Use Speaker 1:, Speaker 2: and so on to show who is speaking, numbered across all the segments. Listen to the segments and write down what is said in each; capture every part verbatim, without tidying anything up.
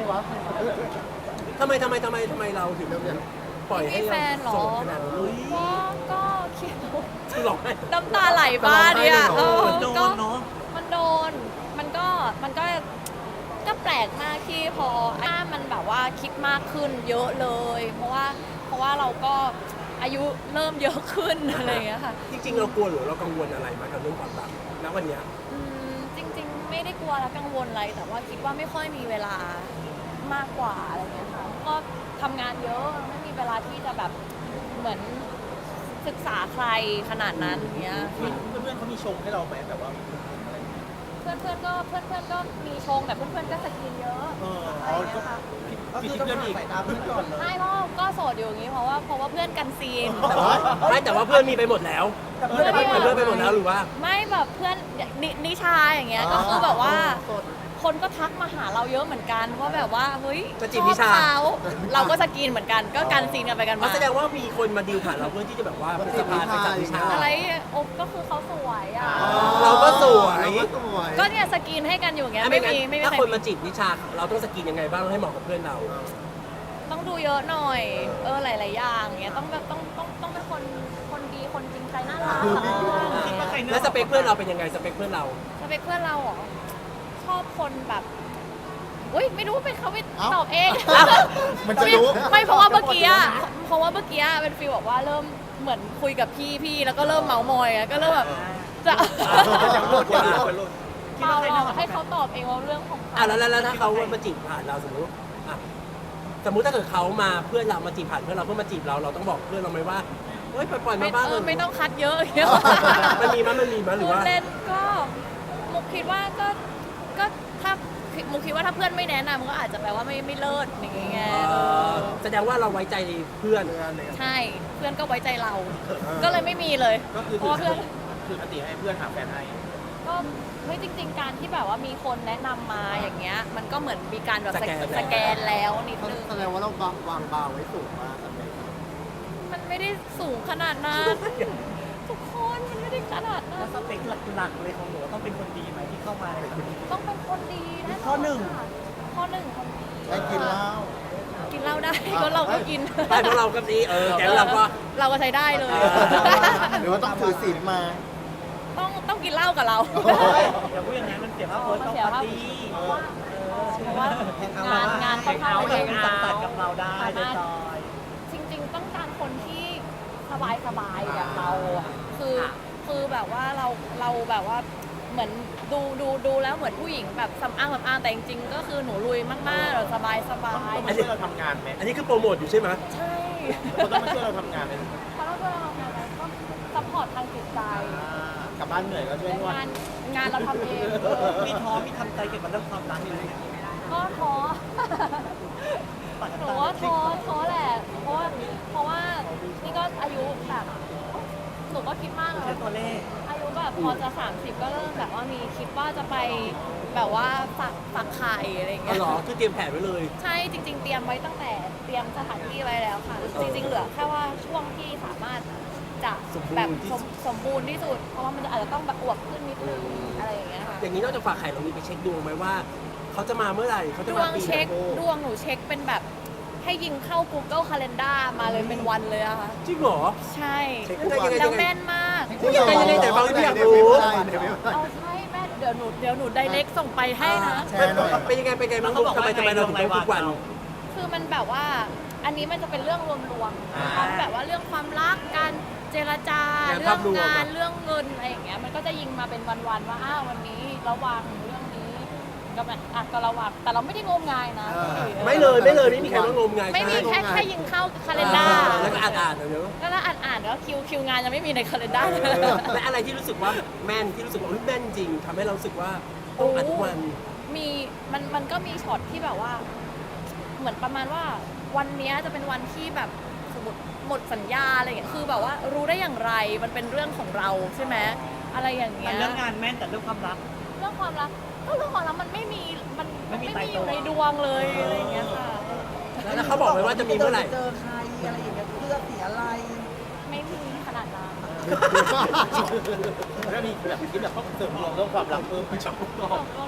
Speaker 1: วะ
Speaker 2: ทำไมทำไมทำไมทำไมเราถึงปล่อยให้
Speaker 3: มีแฟนเหรอ
Speaker 2: โสดขนาดนั้นเลย
Speaker 3: ก็ก็คิด
Speaker 2: คือหลอกให้
Speaker 3: น้ำตาไหลบ้างเนี่ยเออ
Speaker 4: โด
Speaker 3: ก็
Speaker 4: นเนาะ
Speaker 3: มันโดนมันก็มันก็ก็แปลกมากที่พอหน้ามันแบบว่าคิดมากขึ้นเยอะเลย เพราะว่าเพราะว่าเราก็อายุเริ่มเยอะขึ้นอะไรอย่างเงี้ยค่ะ
Speaker 2: จริงๆเรากลัวหรือเรากังวลอะไรมากับเรื่องความรักณวันเนี้ย
Speaker 3: อืมจริงๆไม่ได้กลัวและกังวลอะไรแต่ว่าคิดว่าไม่ค่อยมีเวลามากกว่าอะไรเงี้ยค่ะก็ทำงานเยอะไม่มีเวลาที่จะแบบเหมือนศึกษาใครขนาดนั้นเงี้ย
Speaker 4: เพื่อนๆเขามีชงให้เราไหมแบบว่ามีอะไร
Speaker 3: เพื่อนเพื่อนๆก็เพื่อนเพื่อนๆก็มีชงแต่เพื่อนเพื่อนๆก็สกินเยอะ
Speaker 4: เออ
Speaker 3: อะไร
Speaker 4: อ๋อ
Speaker 3: เงี้ยค่ะ
Speaker 1: ก็คือต้องสายตาเพื่อนก่อนเลย
Speaker 3: ใช่เพราะก็โสดอยู่อย่างนี้เพราะว่าเพราะว่าเพื่อนกันซีน
Speaker 2: แต่ว่าไม่แต่ว่าเพื่อนมีไปหมดแล้ว
Speaker 1: แต่
Speaker 2: เพื่อน
Speaker 1: เพื่อน
Speaker 2: เพื่อนไปหมดแล้วหรือว่า
Speaker 3: ไม่แบบเพื่อนนนิชาอย่างเงี้ยก็คือแบบว่าคนก็ทักมาหาเราเยอะเหมือนกันว่าแบบว่าเฮ้ย
Speaker 2: จะจี
Speaker 3: ช
Speaker 2: บ
Speaker 3: อ
Speaker 2: นิ
Speaker 3: บ
Speaker 2: ชา
Speaker 3: เขาเราก็สกินเหมือนกันก็กันซีนกันไปกัน
Speaker 2: มัน
Speaker 3: มา
Speaker 2: แสดงว่ามีคนมาดีลผ่านเราเพื่อที่จะแบบว่าเป็นสะพานไปจับวิชา
Speaker 3: อะไรโอ้ก็คือเขาสวยอ่ะ
Speaker 2: เราก็สวย
Speaker 1: เราก็สวย
Speaker 3: ก็เนี่ยสกินให้กันอยู่อย่างเงี้ย
Speaker 2: ถ้า
Speaker 3: ไม่
Speaker 2: ไม่
Speaker 3: มี
Speaker 2: งั้น
Speaker 3: ไม่มี
Speaker 2: ถ้า
Speaker 3: ใคร
Speaker 2: คนมาจีบนิชาเราต้องสกินยังไงบ้างให้เหมาะกับเพื่อนเรา
Speaker 3: ต้องดูเยอะหน่อย เออหลายๆอย่างเงี้ยต้องแบบต้องต้องต้องเป็นคนคนดีคนจริงใจน่ารัก
Speaker 4: คิดว่าใครเนื้
Speaker 2: แล้วสเปคเพื่อนเราเป็นยังไงสเปคเพื่อนเรา
Speaker 3: สเปคเพื่อนเราเหรอชอบคนแบบอุ้ยไม่รู้ว่าเป็นเขาไปตอบเอง
Speaker 1: มันจะรู้
Speaker 3: ไม่เพราะว่าเมื่อกี้อะเพราะว่าเมื่อกี้อะเป็นฟีลบอกว่าเริ่มเหมือนคุยกับพี่พี่แล้วก็เริ่มเมามอยอะก็เริ่มแบบจะ
Speaker 4: อย่างโหลดคนโหลดคิด
Speaker 3: เปล่า
Speaker 4: ว่าใคร
Speaker 3: หร
Speaker 4: เนื้
Speaker 3: อกให้เขาตอบเองว่าเรื่องของเขา
Speaker 2: อ่ะแล้วแล้วแล้วถ้าเขามาจีบผ่านเราสมมติอ่ะสมมุติถ้าเกิดเขามาเพื่อนเรามาจีบผ่านเพื่อนเราเพื่อมาจีบเราเราต้องบอกเพื่อนเราไหมว่าเฮ้ยปล่อยๆ
Speaker 3: ไม่
Speaker 2: มาบ้าง
Speaker 3: เอ
Speaker 2: เล
Speaker 3: อย ไม่ต้องคัดเยอะอย่างเงี้ย
Speaker 2: มันมีมั้ยมันมีมั้ยหรือว่า
Speaker 3: พูดเล่นก็มุกคิดว่าก็ก็ถ้ามุกคิดว่าถ้าเพื่อนไม่แนะนำก็อาจจะแปลว่าไม่ไม่เลิศอย่างเงี้ย
Speaker 2: เอ่อแสดงว่าเราไว้ใจเพื่อน
Speaker 3: ใช่เพื่อนก็ไว้ใจเรา ก็เลยไม่มีเลย
Speaker 4: ก็คือ
Speaker 3: เพราะว่าเพื่อน
Speaker 4: คือปกติให้เพื่อนหาแฟนให้
Speaker 3: ก็เฮ้ยจริง ๆ การที่แบบว่ามีคนแนะนำมาอย่างเงี้ยมันก็เหมือนมีการแบบสแกนสแกนแล้วนิดนึง
Speaker 1: แสดงว่าเราวางบาร์ไว้สูงมากสเปค
Speaker 3: มันไม่ได้สูงขนาดนั้น ทุกคนมันไม่ได้ขนาดนั้
Speaker 4: แล้
Speaker 3: น
Speaker 4: วสเปคหลักๆเลยของหนูต้องเป็นคนดีไหมที่เข้ามาในครั้งนี้
Speaker 3: ต้องเป็นคนดีแน่นน
Speaker 4: ข้อหนึ่ง
Speaker 3: ค่ะข้อหนึ่งคนดี
Speaker 1: ได้กินเหล้า
Speaker 3: กินเหล้าได้ก็เราก็กิน
Speaker 2: ไปเพราะเราก็ดีเออแก๊งเราก็
Speaker 3: เราก็ใช้ได้เลย
Speaker 1: หรือว่าต้องถือศีลมา
Speaker 3: ต้องต้องกินเหล้ากับเรา
Speaker 4: อย่าพูดอย่างนั้นมันเสียภาพโพสต้องปาร์ตี้
Speaker 3: เพราะว่าเพราะว่างานงานค่อนข้าง
Speaker 4: เอา
Speaker 3: เย
Speaker 4: เอง
Speaker 3: อะ
Speaker 4: ตัดกับเราได้ได้จอย
Speaker 3: จริง ๆ ต้องการคนที่สบายสบายๆแบบเราอะคือคือแบบว่าเราเราแบบว่าเหมือนดูดูดูแล้วเหมือนผู้หญิงแบบสำอางสำอางแต่จริงๆก็คือหนูลุยมากๆแบบสบายสบาย
Speaker 4: ต้องมาช่วยเราทำงานไหม
Speaker 2: อันนี้คือโปรโมทอยู่ใช่ไหม
Speaker 3: ใช่
Speaker 4: เขาต้องมาช่วยเราทำงานไหม
Speaker 3: เขาต้องช่วยเราทำงานอะไรก็ซัพพอร์ตทางจิตใจ
Speaker 4: กลับบ้านเหนื่อยก็ช่วยนวด
Speaker 3: งานงานเราทำเอง
Speaker 4: มีท้อมีทำใจเกี่ยวกับเรื่องความรักอยู่เลย
Speaker 3: ก็ท้อ หนูว่าท้อท้อแหละ เพราะว่าเพราะว่านี่ก็อายุแบบหนูก็คิดมากเลย
Speaker 4: แค่ตัวเลข
Speaker 3: อายุแบบพอจะสามสิบก็เริ่มแบบว่ามีคิดว่าจะไปแบบว่าฝักฝักไข่อะไรอย่าง
Speaker 2: อ๋
Speaker 3: เงี้
Speaker 2: อย เหรอคือเตรียมแผนไว้เลย
Speaker 3: ใช่จริง ๆ เตรียมไว้ตั้งแต่เตรียมสถานที่ไว้แล้วค่ะ จริง ๆ เหลือแค่ว่าช่วงที่สามารถจะแบบสมสมบูรณ์ที่สุด เพราะว่ามันจะอาจจะต้องแบบอวบขึ้นนิดนึงอะไรอย่างเงี้ยค่ะ
Speaker 2: อย่างนี้นอกจากฝากไข่เรามีไปเช็คดวงไหมว่าเขาจะมาเมื่อไหร่เขา
Speaker 3: ด
Speaker 2: จะ
Speaker 3: ว
Speaker 2: มาง ปีไห
Speaker 3: เช็คน
Speaker 2: โ
Speaker 3: ดวงหนูเช็คเป็นแบบให้ยิงเข้า Google Calendar มาเลยเป็นวันเลยอะค่ะ
Speaker 2: จริงเหรอ
Speaker 3: ใช่
Speaker 2: เช็คยังไงยังไง
Speaker 3: แล้วแม่นมาก
Speaker 2: ยังไงยังไงแต่บางที่อยากรู้
Speaker 3: เอาใช่แม่เดี๋ยวหนูเดี๋ยวหนูไดเรกส่งไปให้นะ
Speaker 1: แชร์หน่อย
Speaker 2: เป็นยังไงเป็นยังไงบ้างลูกทำไมทำไมเราถึงต้องทุกวัน
Speaker 3: คือมันแบบว่าอันนี้มันจะเป็นเรื่องรวมๆทั้งแบบว่าเรื่องความรักการเจรจา
Speaker 2: งาน
Speaker 3: เรื่
Speaker 2: ภา
Speaker 3: อง
Speaker 2: พรวม
Speaker 3: งาน
Speaker 2: อะ
Speaker 3: เรื่องเงินอะไรอย่างเงี้ยมันก็จะยิงมาเป็นวันๆว่าอ้าววันนี้ระวังเรื่องนี้ก็แบบอ่ะก็ระวังแต่เราไม่ได้งมงายนะ
Speaker 1: เออ
Speaker 2: ไม่เลยไม่เลยไม่มีใครว่างมงาย
Speaker 3: ไม่มี
Speaker 2: ใช่
Speaker 3: แค่แค่ยิงเข้า Calendar
Speaker 2: แล้วก็อ่านอ่านเดี๋ยว
Speaker 3: ก็แล้วอ่านๆแล้วคิวคิวงานยังไม่มีใน Calendar เลย
Speaker 2: และอะไรที่รู้สึกว่าแม่นที่รู้สึกว่าอุ๊ยแม่นจริงทำให้เรารู้สึกว่าต้องอ่านทุกวัน
Speaker 3: มีมันมันก็มีช็อตที่แบบว่า เหมือนประมาณว่าวันเนี้ยจะเป็นวันที่แบบสมมติหมดสัญญาอะไรอย่างเงี้ยคือแบบว่ารู้ได้อย่างไรมันเป็นเรื่องของเราใช่ไหมอะไรอย่างเงี้
Speaker 4: มัน
Speaker 3: ย
Speaker 4: เรื่องงานแม่นแต่เรื่องความรัก
Speaker 3: เรื่องความรักก็เรื่องความรักมันไม่มีมัน
Speaker 4: ไม่มี
Speaker 3: ไม่
Speaker 4: ตาย
Speaker 3: มีอ
Speaker 4: ตัว
Speaker 3: ยู่ในดวงเลยอะไรอย่างเงี้ยค่ะ
Speaker 2: แล้วเขาบอกไหมว่าจะมีเมื่อไหร่
Speaker 5: เจอใครอะไรอย่างเงี้ยเพื่อเสียอะไร
Speaker 3: ไม่มีขนาดนั้น
Speaker 4: แล้วมีแบบคิดแบบเสริมดวงเรื่องความรักเพิ่มไหม
Speaker 3: ตกลงแล้วอะไร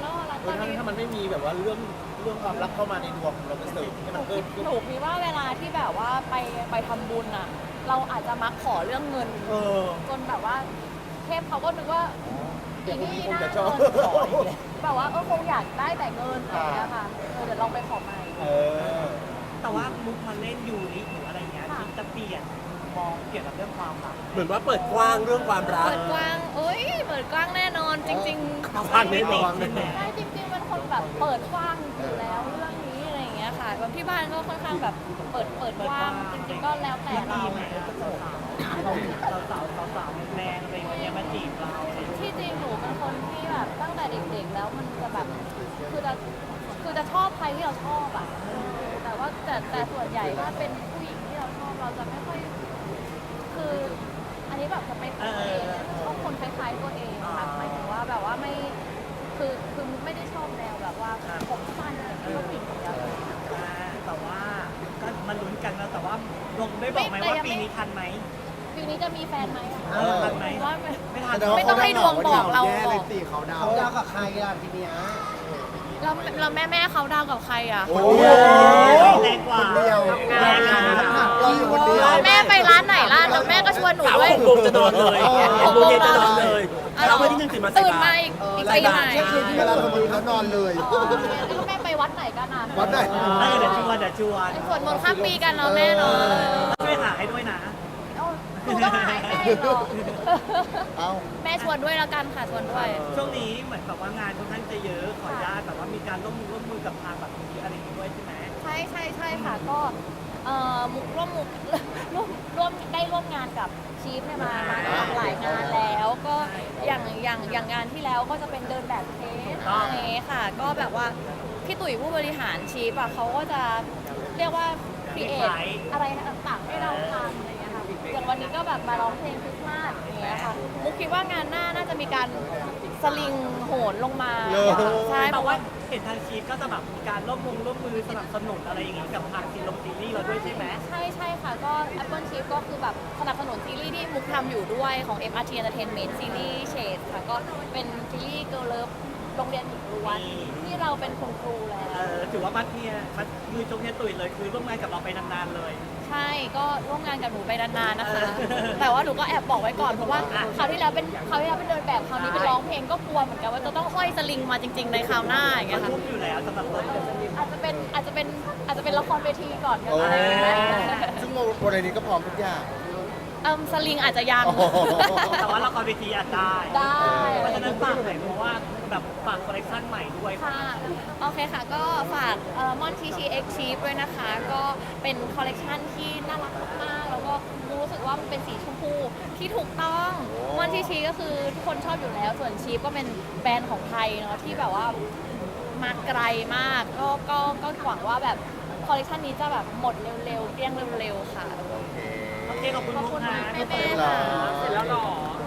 Speaker 1: เออถ้าถ้ามันไม่มีแบบว่าเรื่องเรื่องความรักเข้ามาในดวงเราจะเสริมให้
Speaker 3: ห
Speaker 1: มั
Speaker 3: นู
Speaker 1: นเพิ่
Speaker 3: คิ
Speaker 1: ม
Speaker 3: ด
Speaker 1: ขึ้น
Speaker 3: หนูคิดว่าเวลาที่แบบว่าไปไปทำบุญอ่ะ เราอาจจะมักขอเรื่องเงิน
Speaker 1: เออ
Speaker 3: จนแบบว่าเทพเขาก็นึกว่า
Speaker 1: เดี๋ยวพรุ่งนี้คง
Speaker 3: น่า
Speaker 1: จะชอบ
Speaker 3: เงินขออีกแล้วแบบว่าเออคงอยากได้แต่เงินอะไรอย่างเงี้ยค่ะเออเดี๋ยวลองไปขอใหม่
Speaker 1: เออ
Speaker 4: แต่ว่ามุกมาเล่นยูริหรืออะไรเงี้ย
Speaker 3: ค่ะ
Speaker 4: ที่จะเปลี่ยนมองเกี่ยวกับเรื่องความรัก
Speaker 2: เหมือนว่าเปิดกว้างเรื่องความรัก
Speaker 3: เปิดกว้างเอ้ยเปิดกว้างแน่นอนจริงๆ
Speaker 2: ระวังนิดนึง
Speaker 4: ใช่ไหม
Speaker 3: ใช่จริงๆเป็นคนแบบเปิดกว้างอยู่แล้วเรื่องนี้อะไรอย่างเงี้ยค่ะแบบที่บ้านก็ค่อนข้างแบบเปิดเปิดกว้างจริงๆก็แล้วแต่เรา
Speaker 4: ดีไหมสาวสาวสาวสาวแมนอะไรอย่างเงี้ยมาจีบเราอะไรอย่างเงี้ย
Speaker 3: ที่จริงหนูเป็นคนที่แบบตั้งแต่เด็กๆแล้วมันจะแบบคือจะคือจะชอบใครที่เราชอบอ่ะเออแต่ว่าแต่แต่ส่วนใหญ่ถ้าเป็นผู้หญิงที่เราชอบเราจะไม่ค่อยคือ อันนี้แบบจะเป็นตัวเองชอบคนคล้ายๆตัวเองค่ะหมายถึงว่าแบบว่าไม่คือคือไม่ได้ชอบแนวแบบว่าผมสั้นอะไรที่ชอบผู้หญิงคนเดียว
Speaker 4: อ่าแต่ว่าก็มาลุ้นกันนะแต่ว่าลงได้บอกไหมว่าปีนี้ทันไหม
Speaker 3: ปีนี้จะมีแฟนไหมอะ
Speaker 4: เออทันไหม
Speaker 3: ว่า
Speaker 4: ไม่ทัน
Speaker 3: ไม่ต้องให้ดวงบอกเรา
Speaker 1: แย่เลย
Speaker 3: บอก
Speaker 1: สิเขาดาว
Speaker 5: เขาดาวกับใครอ่ะทีเนี้ย
Speaker 3: เราเราแม่แม่เขาดาวกับใครอ่ะ
Speaker 1: โอ้
Speaker 4: โอ้
Speaker 1: โห
Speaker 4: ยแรงกว่า
Speaker 1: คนเดียว
Speaker 4: แรงกว่า
Speaker 1: เราอยู่คนเดียว
Speaker 3: แม่ไปร้านไหนล่ะแล้วแม่ก็ชวนหนู
Speaker 2: สาว
Speaker 3: ด้วย
Speaker 2: หกโมงจะนอนเลยหกโมงเย็นจะนอนเลยเราไม่ได้ยังตื่นมาใส่
Speaker 3: ตื่น
Speaker 2: บา
Speaker 3: มา
Speaker 2: ตร
Speaker 3: อีกอีก
Speaker 1: ใส่
Speaker 3: ตี
Speaker 1: บา
Speaker 3: ไหน
Speaker 1: ตรเที่ยงคืนที่เวลาทำบุญเขานอนเลย
Speaker 3: อ๋อแล้วแม่ไปวัดไหนกันอ่ะ
Speaker 1: วัดไหน
Speaker 4: เออเดี๋ยวชวนเดี๋ยวชวน
Speaker 3: ไปสวดมนต์ข้ามปีกันเนาะแม่เนาะ
Speaker 4: ช่วยหาให้ด้วยนะ
Speaker 3: เอ้าหนูต้องหายแม่อีกเหรอ
Speaker 1: เอ้า
Speaker 3: แม่ชวนด้วยแล้วกันค่ะชวนด้วย
Speaker 4: ช่วงนี้เหมือนแบบว่างานค่อนข้างจะเยอะขออนุญาตแบบว่ามีการร่วมมือร่วมมือกับทางแบบนี้อะไรอย่างงี้ด้วยใช่ไหม
Speaker 3: ใช่ใช่ใช่ค่ะก็เอ่อมุกร่วมมุก ร่วมร่วมได้ร่วมงานกับชีฟเนี่ยมามาหลายงานแล้วก็อย่างอย่างอย่างงานที่แล้วก็จะเป็นเดินแบบเทสอะไรอย่างเงี้ยค่ะ ก็แบบว่าพี่ตุ๋ยผู้บริหารชีฟอะเขาก็จะเรียกว่าครีเอทอะไรต่างๆให้เราทำอะไรอย่างเงี้ยค่ะอย่างวันนี้ก็แบบมาร้องเพลงคริสต์มาสอย่างเงี้ยค่ะมุกคิดว่างานหน้าน่าจะมีการสลิงโหนลงมาใช่เพ
Speaker 4: แต่
Speaker 3: ราะ
Speaker 4: ว่า
Speaker 3: ว่า
Speaker 4: เห็นทางชีฟก็จะแบบมีการร่วมมือร่วมมือสนับสนุนอะไรอย่างงี้กับทางซีรีส์ซีรีส์เราด้วยใช่ไหม
Speaker 3: ใช่ใช่ค่ะก็ Apple Chip ก็คือแบบสนับสนุนซีรีส์ที่มุกทำอยู่ด้วยของ เอ็ม อาร์ ที Entertainment ซีรีส์ Shade ค่ะก็เป็นซีรีส์ Girl Love โรงเรียนหญิงล้วนที่เราเป็นคุณครูแล้
Speaker 4: เอ
Speaker 3: ว
Speaker 4: อถือว่ามัดเนี่ยมัดมือจงเนี่ยตุยเลยคือร่วมงานกับเราไปนานๆเลย
Speaker 3: ใช่ก็ร่วมงานกับหนูไปนานๆนะคะ
Speaker 4: เออ
Speaker 3: แต่ว่าหนูก็แอบบอกไว้ก่อนเพราะว่าคราวที่แล้วเป็นคราวที่แล้วเป็นเดินแบบคราวนี้เป็นร้องเพลงก็กลัวเหมือนกันว่าจะต้องห้อยสลิงมาจริง ๆ ในคราวหน้าอย่างเงี้ยค่ะ
Speaker 4: ทุ่มอยู่แล้วสำหรับเรา
Speaker 3: อาจจะเป็นอาจจะเป็นอาจจะเป็นละครเวทีก่อนก็
Speaker 1: โอ้
Speaker 3: ได้
Speaker 1: ซึ่งวันนี้ก็พร้อมทุกอย่าง
Speaker 3: เอิ่มสลิงอาจจะยัง
Speaker 1: โอ้โห
Speaker 4: แต่ว่าละครเวทีอาจได้
Speaker 3: ได้
Speaker 4: เพราะฉะนั้นฝากหน่อยเพราะว่าแบบฝากคอลเลคชันใหม่ด้วย
Speaker 3: ค่ะ โอเคค่ะ ก็ฝากมอนทีชีเอ็กชีฟด้วยนะคะ ก็เป็นคอลเลกชันที่น่ารักมากๆ แล้วก็รู้สึกว่ามันเป็นสีชมพูที่ถูกต้องมอนทีชีก็คือทุกคนชอบอยู่แล้ว ส่วนชีฟก็เป็นแบรนด์ของไทยเนาะที่แบบว่ามาไกลมาก ก็ก็ก็หวังว่าแบบคอลเลกชันนี้จะแบบหมดเร็วๆเกลี้ยงเร็วๆค่ะ
Speaker 1: โอเค
Speaker 4: โอเคขอบคุณ
Speaker 3: ขอบ
Speaker 4: มุก
Speaker 3: คุณ
Speaker 4: นะ
Speaker 3: แม่
Speaker 1: เสร็จ
Speaker 3: ๆ
Speaker 1: แล้
Speaker 3: ค่ะ
Speaker 1: ว
Speaker 4: เสร็จแล้วหรอ